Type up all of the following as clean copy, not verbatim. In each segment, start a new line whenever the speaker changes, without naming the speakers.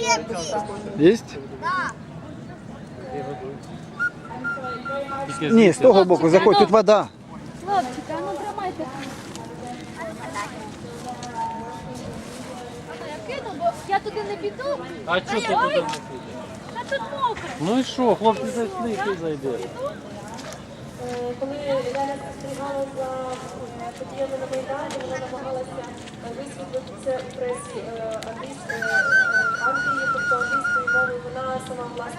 Есть?
Да.
Ні, з того боку, заходь, тут вода.
Хлопчики, а ну тримайте. Я кину, бо я туди не піду.
А чого ти туди не підеш?
Та тут мокро.
Ну і що, хлопці зайшли, і ти зайдеш.
Коли Ляля спостерігала за подіями на Майдані, вона намагалася висвітлити це у пресі Англії, тобто англійською мовою. Вона сама власне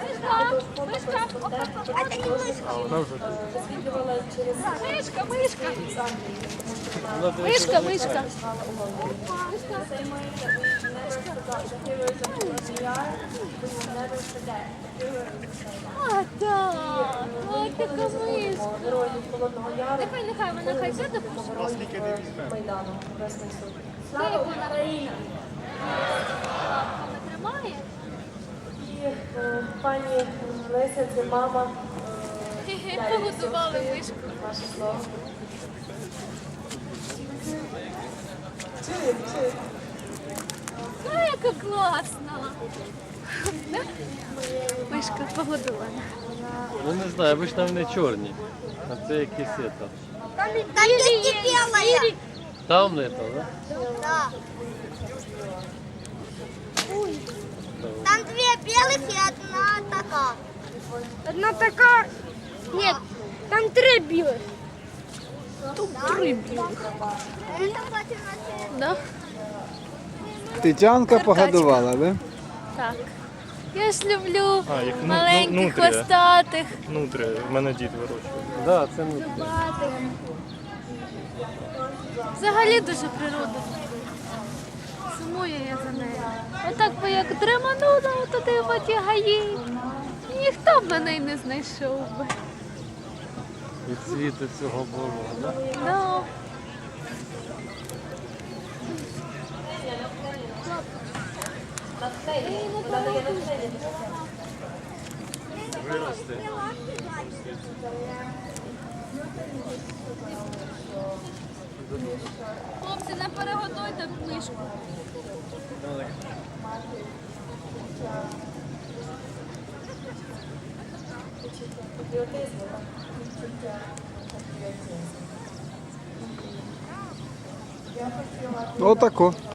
висвітлювала через
Мишка, мишка.
з Англії, тому що вона
Мишка, мишка.
Say Maria, we never forgot the heroes of PBR, we will never forget the heroes
А, так. Ой, така мишка.
героїв Холодного Яру.
Нехай вона хай сяде.
Майдану, Небесний Суд.
Слава Україні. Лапками тримає.
І пані Леся, це мама.
Погодували мишку.
Ваше слово.
Ну, яка класна. Мишка погодована.
Ну не знаю, обично вони чорні. А це якісь это.
Там есть белая.
Там не то, да?
Да. Там две белых и одна такая.
Одна така. Ні, там три білих. Тут три білих.
Это кстати, на
Да?
Тетянка погодувала, да?
Так. Я ж люблю
А, їх
маленьких,
нутрія.
хвостатих,
Нутрія, в мене дід вирощує.
Да, це не.
зубатих. Взагалі дуже природа. Сумую я за нею. Отак би як дреманула туди в оті гаї. Ніхто б мене й не знайшов би.
Від світу цього було, да?
Ну.
Виросте.
Хлопці, не перегодуйте мишку.
Патріотизму, так, відчуття патріотизму. Я хотіла
Отако.